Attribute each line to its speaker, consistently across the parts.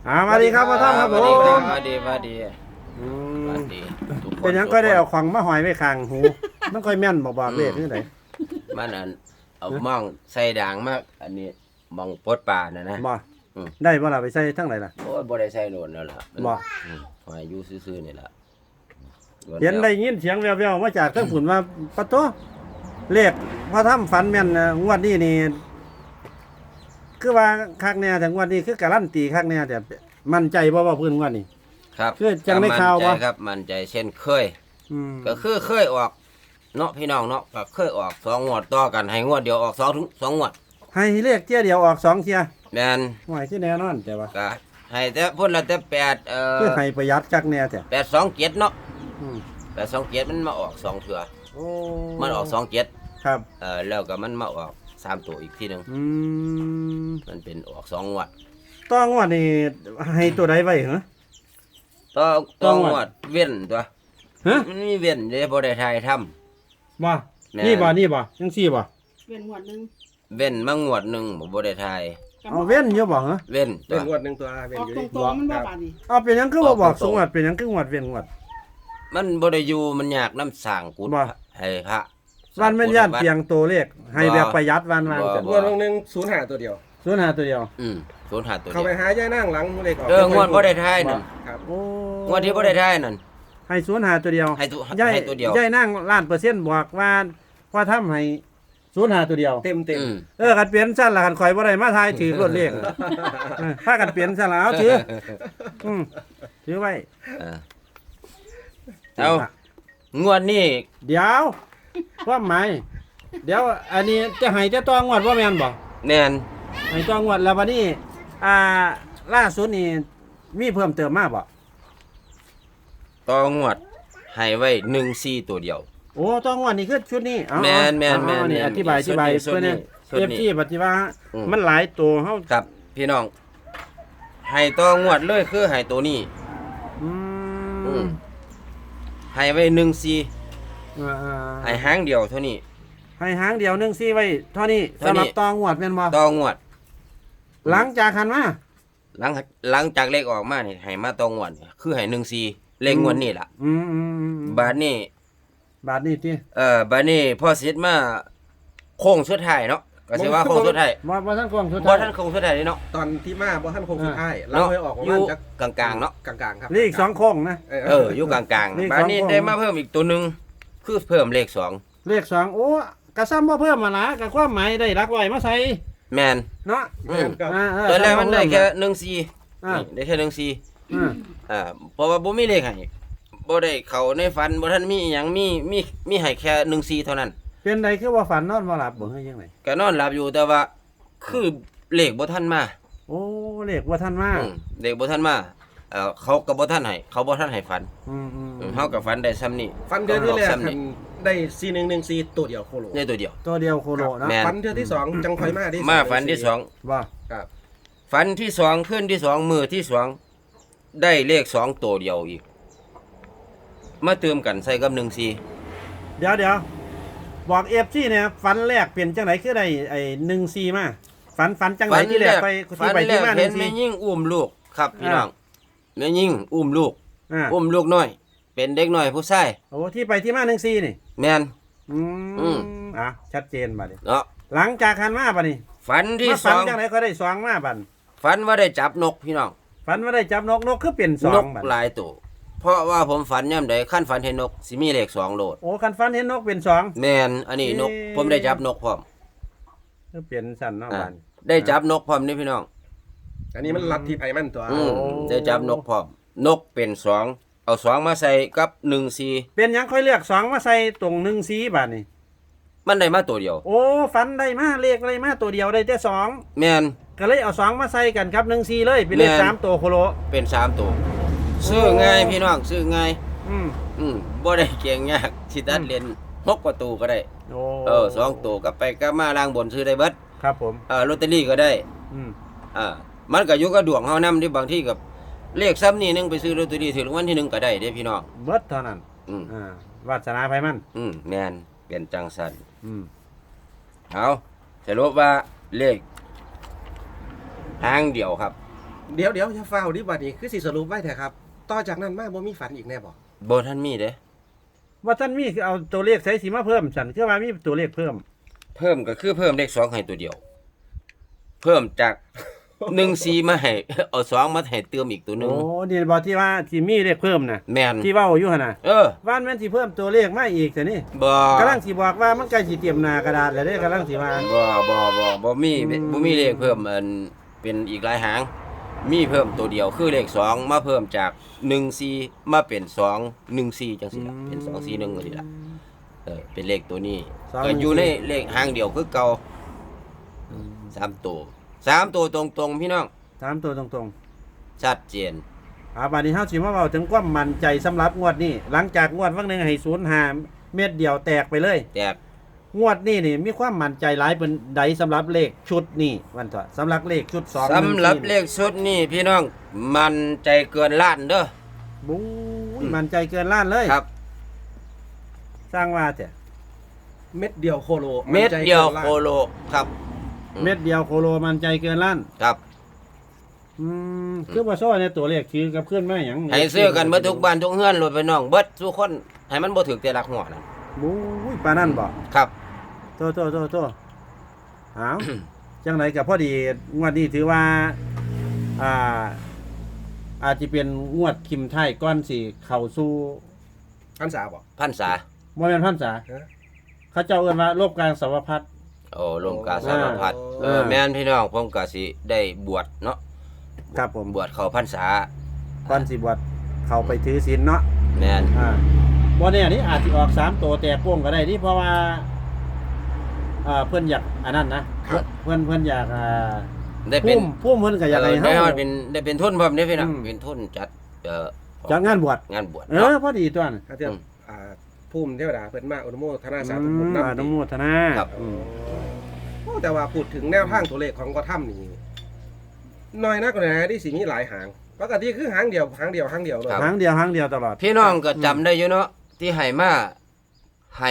Speaker 1: สวัสดีครับพ่อท่อมครับผม
Speaker 2: สวัสดี
Speaker 1: อืม
Speaker 2: สวัสดีทุกคน
Speaker 1: เป็นหยังก็ได้เอาของมาหอยไว้ข้างหูมันค่อยแม่นบอกเลขนี่ไหน
Speaker 2: มันอันเอามองใส่ด่างมากอันนี้มองปดป่านะ
Speaker 1: บ่
Speaker 2: อืม
Speaker 1: ได้บ่ล่ะไปใส่ทั้งไหนล่ะ
Speaker 2: โอ้ยบ่ได้ใส่โดนแล้วล่ะ
Speaker 1: บ่
Speaker 2: หอยอยู่ซื่อๆนี่ล่ะ
Speaker 1: เห็นได้ยินเสียงแว่วๆมาจากเครื่องฝุ่นว่าปะโตเลขพ่อท่อมฝันแม่นนะงวดนี้นี่คือว่าคักแน่แต่งวดนี้คือการันตีคักแน่แต่มั่นใจบ่ว่าเพิ่นงวดนี้
Speaker 2: ครับ
Speaker 1: คือจังได้ข่าวบ่
Speaker 2: มั่นใจครับมั่นใจเช่นเคย
Speaker 1: อืม
Speaker 2: ก็คือเคยออกเนาะพี่น้องเนาะก็เคยออก2งวดต่อกันให้งวดเดียวออก2 ถึง 2งวด
Speaker 1: ให้เลขเที่ยเดียวออก2เที่ย
Speaker 2: แม่น
Speaker 1: หวยที่แน่นอนแต่ว่า
Speaker 2: ก็ให้แต่พุ่นละแต่8
Speaker 1: คือให้ประหยัดคักแน่แต่
Speaker 2: 827เนาะ
Speaker 1: อืม
Speaker 2: 827มันมาออก2เทื่อ
Speaker 1: โอ้
Speaker 2: มันออก27
Speaker 1: ครับ
Speaker 2: แล้วก็มันมาออก3ตัวอีกทีหนึง
Speaker 1: อืม
Speaker 2: มันเป็นออก2งวด
Speaker 1: ต้องว่านี่ให้ตัวใดไว้เหรอ
Speaker 2: ต่อ
Speaker 1: ต้
Speaker 2: ต่
Speaker 1: อ
Speaker 2: อง ง
Speaker 1: วด
Speaker 2: วดเว้นตัว
Speaker 1: ฮะ
Speaker 2: มันมีเว้นเด้บ่ได้ทายทำ
Speaker 1: บ่
Speaker 2: แม่
Speaker 1: นี่บ่นี่บ่จังซี่บ่
Speaker 3: เป็นหัวหนึ่ง
Speaker 2: เว้นมางวดหนึงบ่ได้ทาย
Speaker 1: เอาเว้นอยู่บ่เหรอ
Speaker 2: เว้นตั
Speaker 4: เป็
Speaker 2: วน
Speaker 4: งวดหนึ่งตัวเป็น
Speaker 3: ออก
Speaker 4: อยู่
Speaker 3: ตร
Speaker 4: ดิ
Speaker 3: งๆมันบ่บาดนี่
Speaker 1: เอาเป็นหยังคือบ่บอกสงวดเป็นหยังคืองวดเว้นงวด
Speaker 2: มันบ่ได้อยู่มันยากน้ำสร้างกุฏ
Speaker 1: บ่
Speaker 2: ให้พระ
Speaker 1: วันแม่นย่านเพียงตัวเลขให้แบบประหยัดวันวางจัง
Speaker 4: งวดหนึ่ง05ตัวเดียว
Speaker 1: ศูนย์หาตัวเดียว
Speaker 2: ศูนย์หาตัว
Speaker 4: เข้า
Speaker 2: เดี
Speaker 4: ไป
Speaker 2: ยว
Speaker 4: หาย่านั่งหลังเลขออก
Speaker 2: งวดบ่ได้ทายนั่น
Speaker 4: ครับ
Speaker 1: โอ้
Speaker 2: งวดที่บ่ได้ทายนั่น
Speaker 1: ให้ศูนย์หาตัวเดียว
Speaker 2: ให้ตัว
Speaker 1: ย่าย
Speaker 2: ให้ตัวเดียว
Speaker 1: ย่ายนั่งล้านเปอร์เซ็นต์บอกว่าทำให้ศูนย์หาตัวเดียว
Speaker 4: เต็ม
Speaker 2: อืม
Speaker 1: กันเปลี่ยนซั่นล่ะกันข่อยบ่ได้มาทายถือรถเลขพากันเปลี่ยนซั่นล่ะเอาถือถือไว้
Speaker 2: เออเอางวดนี้
Speaker 1: เดี๋ยวความหมายเดี๋ยวอันนี้จะให้จะต้องงวดว่าแม่นบ่
Speaker 2: แน่น
Speaker 1: ให้ต้องงวดแล้ววันนี้ล่าสุดนี่มีเพิ่มเติมมาบ่
Speaker 2: ต่องวดให้ไว้14ตัวเดียว
Speaker 1: โอ้ต้องงวดนี่คือชุดนี้เอา
Speaker 2: แม่น
Speaker 1: เอานี่
Speaker 2: แม่น
Speaker 1: อธิบาย
Speaker 2: ชุดนี้
Speaker 1: เพื่อน
Speaker 2: ชุดนี้
Speaker 1: เอฟซีปฏิบัติ
Speaker 2: อืม
Speaker 1: มันหลายตัวเฮา
Speaker 2: ครับพี่น้องให้ต่องวดเลยคือให้ตัวนี้
Speaker 1: อื
Speaker 2: อื
Speaker 1: ม
Speaker 2: ม ให้ไว้14
Speaker 1: อ่า
Speaker 2: ให้หางเดียวเท่านี้
Speaker 1: ให้หางเดียวหนึงซี่ไว้เท่านี้
Speaker 2: เท่านี้
Speaker 1: สำหรับตองวดแม่นบ่
Speaker 2: ต่องวด
Speaker 1: หลังจากหันมา
Speaker 2: หลังจากเลขออกมานี่ให้มาต่องวดคือให้14เลขงวดนี้ล่ะ
Speaker 1: อืม
Speaker 2: บาดนี้
Speaker 1: บาทนี้ติ
Speaker 2: บาดนี้พ่อสิทธิ์มาโค้งสุดท้ายเนาะก็สิว่าโค้งสุดท้าย
Speaker 1: บ่ทันกวางสุด
Speaker 2: บ่
Speaker 1: ท้าย
Speaker 2: ทันโค้งสุดท้ายนี่เนาะ
Speaker 4: ตอนที่มาบ่ท่านคงสุดท้ายเรา
Speaker 2: เนาะ
Speaker 4: ให้ออกประ
Speaker 2: อ
Speaker 4: มา
Speaker 2: ยู่
Speaker 4: ณจัก
Speaker 2: กลางๆเนาะ
Speaker 4: กลางๆครับ
Speaker 1: นี่อีก2โค้งนะ
Speaker 2: อยู่กลาง
Speaker 1: เลข
Speaker 2: ๆบาดนี้
Speaker 1: สองโค้ง
Speaker 2: ได้มาเพิ่มอีกตัวหนึงคือเพิ่มเลข2
Speaker 1: เลข2โอ้กระซ้ำบ่เพิ่มมาละก็ความหมายได้หลักร้อยมาใส่
Speaker 2: แม่น
Speaker 1: เนาะ
Speaker 2: อืม
Speaker 4: ครับ
Speaker 1: า
Speaker 2: ตอนแรกมันได้แค่
Speaker 1: อ่า
Speaker 2: 14นี่ได้แค่14
Speaker 1: อ่า
Speaker 2: เพราะว่าบ่มีเลขให้บ่ได้เข้าในฝันบ่ทันมีอิหยังมีให้แค่14เท่านั้น
Speaker 1: เป็นไดคือว่าฝันนอนบ่หลับบ่เฮ้ยยังไง
Speaker 2: ก็นอนหลับอยู่แต่ว่าคือเลขบ่ทันมา
Speaker 1: โอ้เลขว่าท่านมา
Speaker 2: เลขบ่ทันมาเขาก็บ่ทันให้เขาบ่ทันให้ฝัน
Speaker 1: อืม
Speaker 2: เฮาก็ฝันได้ซ้ำนี้
Speaker 4: ฟันเดือนที่แรก
Speaker 2: ซ้ำนี้
Speaker 4: ได้4114ตัวเดียวโคโล
Speaker 2: ในตัวเดียว
Speaker 1: ตัวเดียวโคโลนะ
Speaker 2: แม่
Speaker 4: ฟันเดือนที่สองจังคอยมาได้
Speaker 2: มาฝันที่สอง
Speaker 1: ว่า
Speaker 4: ครับ
Speaker 2: ฝันที่สองคืนที่สองมื้อที่สองได้เลข2ตัวเดียวอีก มาเติมกันใส่กับ14
Speaker 1: เดี๋ยวบอก FC เนี่ยฝันแรกเปลี่ยนจังไหนคือได้ไอ้14มาฝันจังไหนที่แรกไป
Speaker 2: ฝัน
Speaker 1: ไป
Speaker 2: แร
Speaker 1: ที่
Speaker 2: ก
Speaker 1: มา
Speaker 2: เห็นแม่
Speaker 1: 14
Speaker 2: ยิ่งอุ้มลูกครับพี่น้องแม่ยิ่งอุ้มลูก
Speaker 1: อ่า
Speaker 2: อุ้มลูกน้อย เป็นเด็กน้อยผู้ชาย
Speaker 1: โอ้ที่ไปที่มา14นี่
Speaker 2: แม่น
Speaker 1: อื
Speaker 2: อื
Speaker 1: ม
Speaker 2: ม
Speaker 1: ชัดเจนบัดนี้
Speaker 2: เนาะ
Speaker 1: หลังจากหันมาบัดนี้
Speaker 2: ฝันที่
Speaker 1: มา
Speaker 2: ส
Speaker 1: ฝัน
Speaker 2: อง
Speaker 1: จังไหนก็ได้2มาบัด
Speaker 2: ฝันว่าได้จับนกพี่น้อง
Speaker 1: ฝันว่าได้จับนกคือเปลี่ยน
Speaker 2: นก
Speaker 1: 2บัด
Speaker 2: หลายตัวเพราะว่าผมฝันย่ำใดขั้นฝันเห็นนกสิมีเลข2โลด
Speaker 1: โอ้คันฝันเห็นนกเป็น2
Speaker 2: แม่นอันนี้นกผมได้จับนกพร้อม
Speaker 1: คือเปลี่ยนสั่นเนาะ
Speaker 2: อ่า
Speaker 1: บัด
Speaker 2: ได้จับนกพร้อมนี่พี่น้อง
Speaker 4: อันนี้มันลัดที่ไผมันตัว
Speaker 2: ได้จับนกพร้อมนกเป็น2เอา2มาใส่กับ14
Speaker 1: เป็นหยังค่อยเลือก2มาใส่ตรง14บัดนี้
Speaker 2: มันได้มาตัวเดียว
Speaker 1: โอ้ฝันได้มาเลขอะไรมาตัวเดียวได้แต่2
Speaker 2: แม่น
Speaker 1: ก็เลยเอา2มาใส่กันครับ14เลยเป็นเลข
Speaker 2: แม่น
Speaker 1: 3ตัวโคโล
Speaker 2: เป็น3ตัวซื้อง่ายพี่น้องซื้อง่าย
Speaker 1: อืม
Speaker 2: บ่ได้เก่งยากสิตัดเล่น6ประตูก็ได้
Speaker 1: โอ้
Speaker 2: 2ตัวกลับไปกลับมาล่างบนซื้อได้เบิด
Speaker 1: ครับผม
Speaker 2: ลอตเตอรี่ก็ได้
Speaker 1: อืม
Speaker 2: มันก็อยู่กับดวงเฮานำที่บางที่กับเลขซ้ำนี่นึงไปซื้อลอตเตอรี่ถึงรางวัลที่1ก็ได้เด้พี่น้อง
Speaker 1: เบิดเท่านั้น
Speaker 2: อืม
Speaker 1: วาสนาไผมัน
Speaker 2: แม่นเป็นจังซั่น
Speaker 1: อืม
Speaker 2: เอาสรุปว่าเลขหางเดียวครับ
Speaker 4: เดี๋ยวอย่าฟ้าวดิบัดนี้คือสิสรุปไว้แท้ครับต่อจากนั้นมาบ่มีฝันอีกแน่บ่
Speaker 2: บ่ทันมีเด้
Speaker 1: ว่าท่านมีคือเอาตัวเลขใส่สีมาเพิ่มฉันคือว่ามีตัวเลขเพิ่ม
Speaker 2: เพิ่มก็คือเพิ่มเลข2ให้ตัวเดียว เพิ่มจาก 14มาให้ เอา2มาให้เติมอีกตัวหนึง
Speaker 1: โอ้นี่บอกที่ว่าที่มีเลขเพิ่มน่ะ
Speaker 2: แม่น
Speaker 1: ที่เว้าอยู่หั่นน่ะ
Speaker 2: เออ
Speaker 1: ว่านแม่นสิเพิ่มตัวเลขมาอีกแต่นี่
Speaker 2: บ่
Speaker 1: กำลังสิบอกว่ามันใกล้สิเตรียมหน้ากระดาษแล้วเด้กำลังสิว่า
Speaker 2: บ่มีบ่มีเลขเพิ่มอันเป็นอีกหลายหาง มีเพิ่มตัวเดียวคือเลข2มาเพิ่มจาก14มาเป็น214จังซี่ล่ะเป็น241จังซี่ล่ะเป็นเลขตัวนี้ก็อยู่ในเลขหางเดียวคือเก่า3ตัวตรงๆพี่น้อง
Speaker 1: ถามตัวตรง
Speaker 2: ชัดเจน
Speaker 1: ๆบัดนี้เฮาสิมาเว้าถึงความมั่นใจสำหรับงวดนี้หลังจากงวดวันหนึงให้05เม็ดเดียวแตกไปเลย
Speaker 2: แตก
Speaker 1: งวดนี้นี่มีความมั่นใจหลายเป็นใดสำหรับเลขชุดนี้วันเถอะสำหรับเลขชุด2
Speaker 2: สำหรับเลขชุดนี้พี่น้องมันใจเกินล้านเด้อ
Speaker 1: บู๊ยมั่นใจเกินล้านเลย
Speaker 2: ครับ
Speaker 1: สร้างว่าแต่
Speaker 4: เม็ดเดียวโคโล
Speaker 2: เม็ดเดียวโคโลครับ
Speaker 1: เม็ดเดียวโคโลมั่นใจเกินล้าน
Speaker 2: ครับ
Speaker 1: คือว่าโซ่ในตัวเลขคือกับเพื่อนแม่หยัง
Speaker 2: ให้ซื้อกันเบิดทุกบ้านทุกเฮือนรถไปน้องเบิดทุกคนให้มันบ่ถึกแต่ลักหัวนั่น
Speaker 1: บู๊ยปานนั่นบ่
Speaker 2: ครับ
Speaker 1: โตเอา จังไหนกับพอดีงวดนี้ถือว่าอ่า อาจจะเป็นงวดคิมไทยก้อนสิเข้าสู่
Speaker 4: พันษาบ่
Speaker 2: พันษา
Speaker 1: บ่แม่นพรรษา
Speaker 4: ฮะ
Speaker 1: เขาเจ้าเอิ้นว่าโลกกลางสวพัฒน์
Speaker 2: โอ้ลมกาสารพัด
Speaker 4: อ่า
Speaker 2: แม่นพี่น้องผมก็สิได้บวชเนาะ
Speaker 1: ครับผม
Speaker 2: บวชเข้าพรรษา
Speaker 1: ก่อนสิบวชเข้าไปถือศีลเนาะ
Speaker 2: แม่น
Speaker 1: บ่แน่นี่อาจสิออก3ตัวแตกโป้งก็ได้นี่เพราะว่าเพิ่นอยากอันนั้นนะครับ เพิ่นอยาก
Speaker 2: ได้เป็น
Speaker 1: พุ่มเพิ่นก็อยากให้
Speaker 2: ได้
Speaker 1: เฮา
Speaker 2: เป็นได้เป็นทุนพร้อมเด้พี่น้อง
Speaker 1: อืม
Speaker 2: เป็นทุนจัด
Speaker 1: จัดงานบวช
Speaker 2: งานบวช
Speaker 1: เอ
Speaker 2: เนาะ
Speaker 1: อพอดีตัวนั้น
Speaker 4: ถ้าเทียบภูมิเทวดาเพิ่นมาอนุโมทนาสาธุ
Speaker 1: อื
Speaker 4: บุญ
Speaker 1: ม
Speaker 4: นำ
Speaker 1: อนุโมทนา
Speaker 2: ครับ
Speaker 1: อืม
Speaker 4: โอ้แต่ว่าพูดถึงแนวทางตัวเลขของกระถ้ำนี่น้อยนักเลยนะที่สิมีหลายหางปกติคือหางเดียวเลย
Speaker 1: หางเดียวหางเดียวตลอด
Speaker 2: พี่น้องก็จำได้อยู่เนาะที่ให้มาให้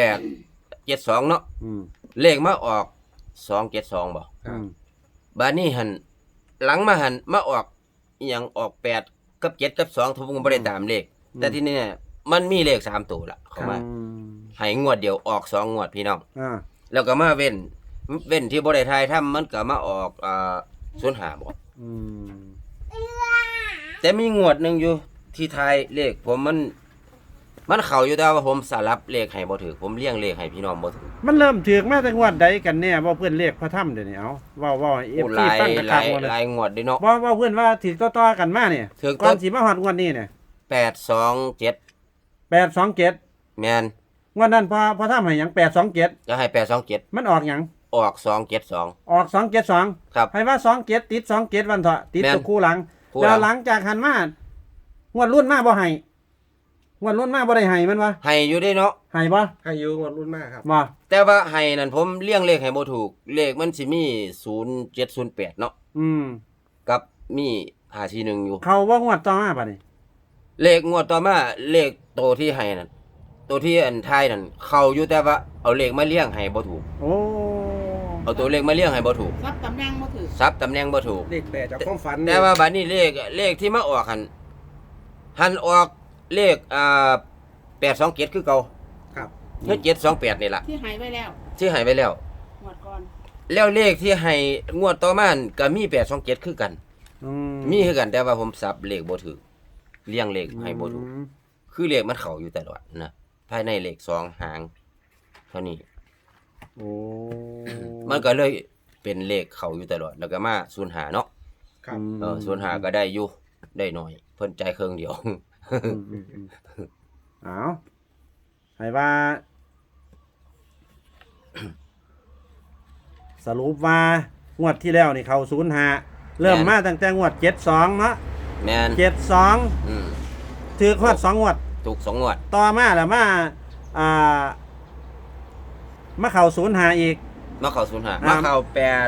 Speaker 2: 872เนาะ
Speaker 1: อืม
Speaker 2: เลขมาออก272บ่
Speaker 1: อืม
Speaker 2: บาดนี้หันหลังมาหันมาออกอหยังออก8กับ7กับ2ทุกผมบ่ได้ตามเลข แต่ที่นี่เนี่ยมันมีเลข3ตัวละเข้ามา
Speaker 1: อืม
Speaker 2: ให้งวดเดียวออก2งวดพี่น้อง
Speaker 1: อ่า
Speaker 2: แล้วก็มาเว้นที่บ่ได้ทายทำมันก็มาออก05บ่
Speaker 1: อืม
Speaker 2: แต่มีงวดหนึงอยู่ที่ทายเลขผมมันเข้าอยู่แต่ว่าผมสลับเลขให้บ่ถูกผมเลี้ยงเลขให้พี่น้องบ่ถูก
Speaker 1: มันเริ่มถือกมาแต่งวดใดกันแน่ว่าเพื่อนเลขพระถ้ำเดี๋ยวนี้เอาว่าให้
Speaker 2: โอ้
Speaker 1: FC
Speaker 2: หลาย
Speaker 1: ฟังกระ
Speaker 2: ห
Speaker 1: คั
Speaker 2: ลาก ย
Speaker 1: หมดเลย
Speaker 2: หลายงวดเด้เนาะ
Speaker 1: ว่าเพื่อนว่าถือต่อๆกันมาเนี่ย
Speaker 2: ถือ
Speaker 1: ก่อนสิมาฮอดงวดนี้เนี่ย
Speaker 2: 827
Speaker 1: 827
Speaker 2: แม่น
Speaker 1: งวดนั้นพอถ้ำให้หยัง827
Speaker 2: ก็ให้827
Speaker 1: มันออกหยัง
Speaker 2: ออก272
Speaker 1: ออก272
Speaker 2: ครับ
Speaker 1: ให้ว่า27ติด27วันเถอะติด
Speaker 2: แม่น
Speaker 1: ตัวคู่หลัง
Speaker 2: คู่หลัง
Speaker 1: แล้วหลังจากหันมางวดรุ่นมาบ่ให้งวดรุ่นมาบ่ได้ให้มันวะ
Speaker 2: ให้อยู่ได้เนาะ
Speaker 1: ให้บ่
Speaker 4: ให้อยู่งวดรุ่นมากครับ
Speaker 1: บ่
Speaker 2: แต่ว่าให้นั่นผมเลี้ยงเลขให้บ่ถูก เลขมันสิมี0708เนาะ
Speaker 1: อืม
Speaker 2: กับมี541อยู่
Speaker 1: เขาว่างวดต่อมาป่ะนี่
Speaker 2: เลขงวดต่อมาเลขโตที่ให้นั่นตัวที่อันท้ายนั่นเข้าอยู่แต่ว่าเอาเลขมาเลี้ยงให้บ่ถูก
Speaker 1: โอ้
Speaker 2: เอาตัวเลขมาเลี้ยงให้บ่ถูก
Speaker 3: รับตำแหน่งมาถือ
Speaker 2: ซับตำแหน่งบ่ถูก
Speaker 4: เลขแปดจากความฝัน
Speaker 2: แต่ว่าบัดนี้เลขที่มาออกหันออกเลข827คือเก่า
Speaker 4: ครับ
Speaker 2: คือ728นี่ล่ะ
Speaker 3: ที่หายไว้แล้ว
Speaker 2: ที่ให้ไปแล้ว
Speaker 3: หมดก่อน
Speaker 2: แล้วเลขที่ให้งวดต่อมานั่นก็มี827คือกัน
Speaker 1: อื
Speaker 2: มีคือกันแต่ว่าผมสับเลขบ่ถูกเลี้ยงเลขให้บ่ถูก
Speaker 1: อืม
Speaker 2: คือเลขมันเข้าอยู่ตลอดนะภายในเลข2หางเท่านี้
Speaker 1: โอ้
Speaker 2: มันก็เลยเป็นเลขเข้าอยู่ตลอดแล้วก็มา05เนาะ
Speaker 4: ครับ
Speaker 2: 05ก็ได้อยู่ได้หน่อยเพิ่นจ่ายเครื่องเดียว
Speaker 1: เอาให้ว่า สรุปว่างวดที่แล้วนี่เขา05เริ่ม
Speaker 2: แม่น
Speaker 1: มาตั้งแต่งวด72เนาะ
Speaker 2: แม่น
Speaker 1: 72
Speaker 2: อืม
Speaker 1: ถือฮอด2งวด
Speaker 2: ถูก2งวด
Speaker 1: ต่อมาแล้วอ่ามาเข้า05อีก
Speaker 2: มาเข้า05มาเข้า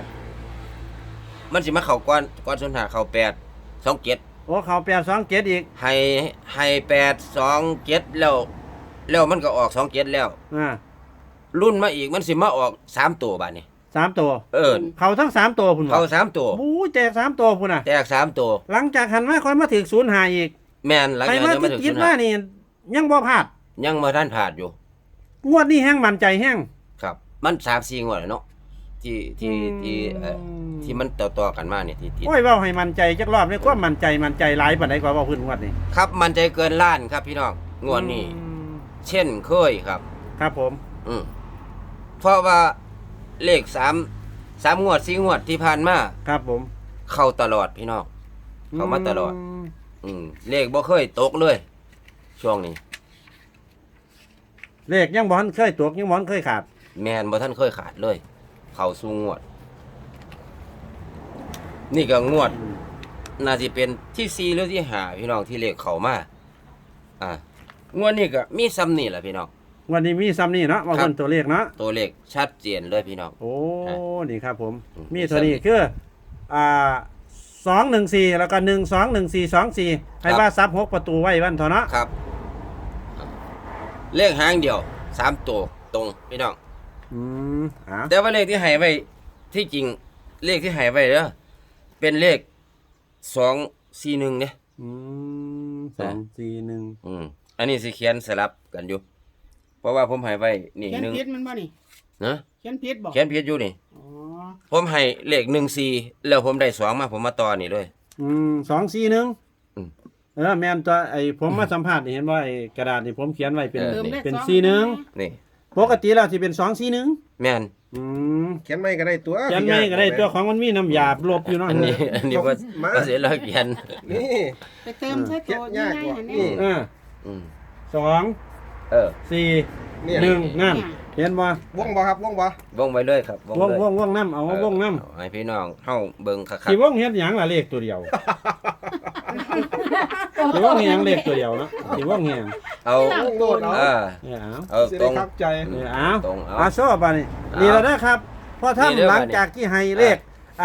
Speaker 2: 8มันสิมาเข้าก่อน05เข้า8 27
Speaker 1: โอ้เข้า827อีก
Speaker 2: ให้827แล้วมันก็ออก27แล้ว
Speaker 1: อ่า
Speaker 2: รุ่นมาอีกมันสิมาออก3ตัวบาดนี้
Speaker 1: 3ตัว เขาทั้ง3ตัวพุ่นบ่
Speaker 2: เขา3ตัว
Speaker 1: บู๊แจก3ตัวพุ่นน่ะ
Speaker 2: แตก3ตัว
Speaker 1: หลังจากหันมาค่อยมาถึง05อีก
Speaker 2: แม่นหลัง
Speaker 1: ใคร
Speaker 2: จาก
Speaker 1: มา
Speaker 2: นั้นมาถึง
Speaker 1: ติดมานี่ยังบ่พลาด
Speaker 2: ยังบ่ทันผ่านอยู่
Speaker 1: งวดนี้แห้งมั่นใจแห้ง
Speaker 2: ครับ มัน3-4งวดแล้วเนาะที่มันต่อๆกันมาเนี่ยที่
Speaker 1: โอ้ยเว้าให้มั่นใจจักรอบนี่ความมั่นใจหลายปานใดกว่าเว้าพื้นงวดนี้
Speaker 2: ครับมันใจเกินล้านครับพี่น้องงวดนี้ เช่นเคยครับ
Speaker 1: ครับผม
Speaker 2: เพราะว่าเลข3งวด4งวดที่ผ่านมา
Speaker 1: ครับผม
Speaker 2: เข้าตลอดพี่น้องเข้ามาตลอด เลขบ่เคยตกเลย ช่วงนี้
Speaker 1: เลขยังบ่ทันเคยตกยังบ่ทันเคยขาด
Speaker 2: แมนบ่ท่านเคยขาดเลย เข้าสู่งวด นี่ก็งวด น่าสิเป็นที่4หรือที่5พี่น้องที่เลขเข้ามางวดนี้ก็มีซ้ำนี่แหละพี่น้อง
Speaker 1: วันนี้มีซ้ำนี่เนาะว่า
Speaker 2: ครั
Speaker 1: เพิ่
Speaker 2: บ
Speaker 1: นตัวเลขเนาะ
Speaker 2: ตัวเลขชัดเจนเลยพี่น้อง
Speaker 1: โอ้ นี่ครับผม
Speaker 2: อืม
Speaker 1: มีเท่านี้คือ214แล้วก็121424ให้ว่าซับ6ประตูไว้วันเถาะเนาะ
Speaker 2: ครับ เลขหางเดียว3ตัวตรงพี่น้อง แต่ว่าเลขที่ให้ไว้ที่จริงเลขที่ให้ไว้เด้อเป็นเลข241เนี่ย
Speaker 1: 241
Speaker 2: อันนี้สิเขียนสลับกันอยู่ เพราะว่าผมให้ไว้นี่
Speaker 3: เขียน
Speaker 2: หนึ่ง
Speaker 3: ผิดมันบ่นี่
Speaker 2: นะ
Speaker 3: เขียนผิดบ่
Speaker 2: เขียนผิดอยู่นี่
Speaker 3: อ๋อ
Speaker 2: ผมให้เลข14แล้วผมได้2มาผมมาต่อนี่เลย
Speaker 1: 241
Speaker 2: อืม
Speaker 1: แม่นตัวไอ้ผมมาสัมภาษณ์นี่เห็นว่าไอ้กระดาษนี่ผมเขียนไว้เป็น
Speaker 3: เติมเลข
Speaker 1: เป็น
Speaker 3: สอง
Speaker 1: 41
Speaker 2: นี่
Speaker 1: ปกติแล้วสิเป็น241
Speaker 2: แม่น
Speaker 4: เขียนไม่ก็ได้ตัว
Speaker 1: เขียนไม่ก็ได้ตัวของมันมีน้ำยาลบอยู่เนาะ
Speaker 2: อันนี้ว่า
Speaker 4: มา
Speaker 2: ว่าเสียแล้วเขียน
Speaker 4: นี่
Speaker 3: ไปเติมใช้ตัว
Speaker 4: ยาก
Speaker 3: ง่าย
Speaker 4: กว่า
Speaker 3: ๆหัน
Speaker 4: นี่
Speaker 3: นี่
Speaker 2: อืม
Speaker 1: 2
Speaker 2: เออ
Speaker 1: 4
Speaker 4: เนี่ย
Speaker 1: 1นั่นเห็นบ่
Speaker 4: วงบ่ครับวงบ่
Speaker 2: วงไว้เลยครับ
Speaker 1: วง
Speaker 2: เลยว
Speaker 1: งน้ำเอาวงน้
Speaker 2: เอาให้พี่น้องเฮาเบิ่งคัก
Speaker 1: ำสิวงเฮ็ดหยังล่ะเลขตัวเดียวสิวงเฮ็ดหยังเลขตัวเดียวเนาะสิวงเฮ็ดหยัง
Speaker 2: ๆเอา
Speaker 4: วงโดดเอา
Speaker 2: เอา
Speaker 4: สิ
Speaker 2: ตร
Speaker 4: ได้
Speaker 2: ง
Speaker 4: ครับใจ
Speaker 1: เอา
Speaker 2: ตรงเอา
Speaker 1: โซ่บานี่นี่แล้วนะครับพอ
Speaker 2: นี่เด้อ
Speaker 1: ทำหลังจากที่ให้เลข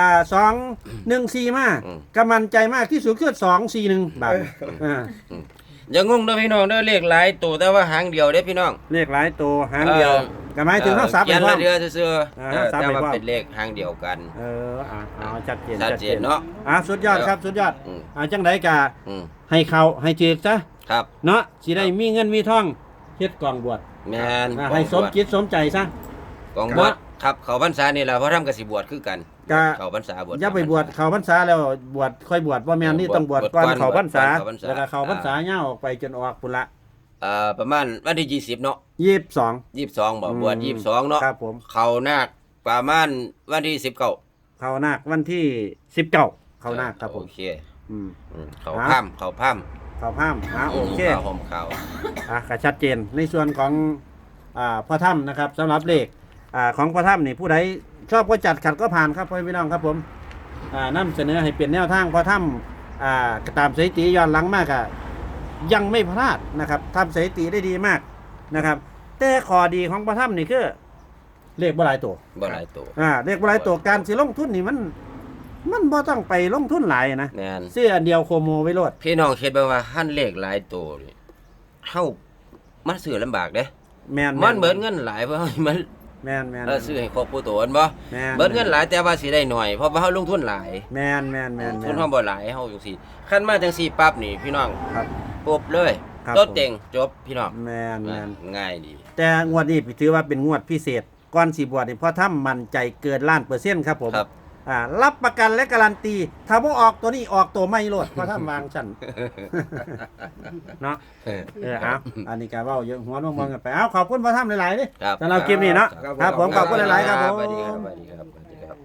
Speaker 1: 214มา
Speaker 2: อืม
Speaker 1: กำมันใจมากที่สุดคือ241บาทอ่า
Speaker 2: อย่างงงเด้อพี่น้องเด้อเลขหลายตัวแต่ว่าหางเดียวเด้อพี่น้อง
Speaker 1: เลขหลายตัวหางเดียวก็หมายถึงเฮาซับ
Speaker 2: เขี
Speaker 1: ไป
Speaker 2: ยน
Speaker 1: พร้อ
Speaker 2: ละ
Speaker 1: ม
Speaker 2: เดือซื่อ
Speaker 1: ซับ
Speaker 2: แต่
Speaker 1: ไป
Speaker 2: ว่า
Speaker 1: พร้อม
Speaker 2: เป็นเลขหางเดียวกัน
Speaker 1: เอาชัดเจน
Speaker 2: ชัดเจนเนาะ
Speaker 1: สุดยอดครับสุดยอด
Speaker 2: อืม
Speaker 1: จังไดกะ
Speaker 2: อืม
Speaker 1: ให้เขาให้จืดซะ
Speaker 2: ครับ
Speaker 1: เนาะสิได้มีเงินมีทองเฮ็ดกองบวช
Speaker 2: แม่น
Speaker 1: ให้สมคิดสมใจซะ
Speaker 2: กองบวชครับเขาพรรษานี่ล่ะเพราะทำกสิบวชคือกัน
Speaker 1: กะ
Speaker 2: เขาพรรษาบวช
Speaker 1: อย่าไปบวชเข้าพรรษาแล้วบวชค่อยบวชว่าแม่นนี่ต้องบวชก่อนเข้าพรรษา
Speaker 2: เข้าพรรษา
Speaker 1: แล้วก็เข้าพรรษาย่าออกไปจนออกปุนละ
Speaker 2: ประมาณวันที่20เนาะ
Speaker 1: 22
Speaker 2: 22บ่บวช22เนาะ
Speaker 1: ครับผม
Speaker 2: เขานาคประมาณวันที่19
Speaker 1: เข้านาควันที่19เข้านาคครับผม
Speaker 2: โอเค
Speaker 1: อืม
Speaker 2: เขา
Speaker 1: ครับ
Speaker 2: พร่ำเขาพร่ำ
Speaker 1: เข้าห้ามโอเค
Speaker 2: เขาห่มเขา
Speaker 1: ก็ชัดเจนในส่วนของพ่อถ้ำนะครับสำหรับเลขของพ่อถ้ำนี่ผู้ใดชอบก็จัดขัดก็ผ่านครับพ่อพี่น้องครับผมนำเสนอให้เป็นแนวทางพ่อถ้ำตามสถิติย้อนหลังมากยังไม่พลาดนะครับทำสถิติได้ดีมากนะครับ แต่ข้อดีของพ่อถ้ำนี่คือเลขบ่หลายตัว
Speaker 2: บ่หลายตัว
Speaker 1: เลขบ่หลายตัวการสิลงทุนนี่มันบ่ต้องไปลงทุนหลายนะ
Speaker 2: แม่น
Speaker 1: ซื้ออันเดียวโคโมไว้โลด
Speaker 2: พี่น้องคิดเบิ่งว่าหั่นเลขหลายตัวนี่เฮามันซื้อลำบากเด้
Speaker 1: แมน
Speaker 2: มันเบิดเงินหลายเพราะมัน
Speaker 1: แมน
Speaker 2: ซื้อให้ครบผู้ตัวอันบ่
Speaker 1: แมน
Speaker 2: เบิดเงินหลายแต่ว่าสิได้หน่อยเพราะว่าเฮาลงทุนหลาย
Speaker 1: แมน
Speaker 2: ทุนเฮาบ่หลายเฮาจังซี่คันมาจังซี่ปั๊บนี่พี่น้อง
Speaker 1: ครับ
Speaker 2: ปุ๊บเลย
Speaker 1: ครับ
Speaker 2: โต๊ะเต็งจบพี่น้อง
Speaker 1: แมน
Speaker 2: ง่ายดี
Speaker 1: แต่งวดนี้ถือว่าเป็นงวดพิเศษก่อนสีบวชนี่เพราะถ้ามั่นใจเกินล้านเปอร์เซ็นต์ครับผม
Speaker 2: ครับ
Speaker 1: รับประกันและการันตีถ้าบ่ออกตัวนี้ออกตัวไม่โลดเพราะถ้าวางชั้น เนาะเอาอันนี้ก็เว้าเยอะหัวมองๆกันไปเอาขอบคุณพ่อถ้ำหลายๆเด้
Speaker 2: ครับ
Speaker 1: สำหรับคลิปนี้เนาะครับผมขอบคุณหลายๆครับผม
Speaker 2: สวัสดีครับสวัสดีครับสวัสดีครับ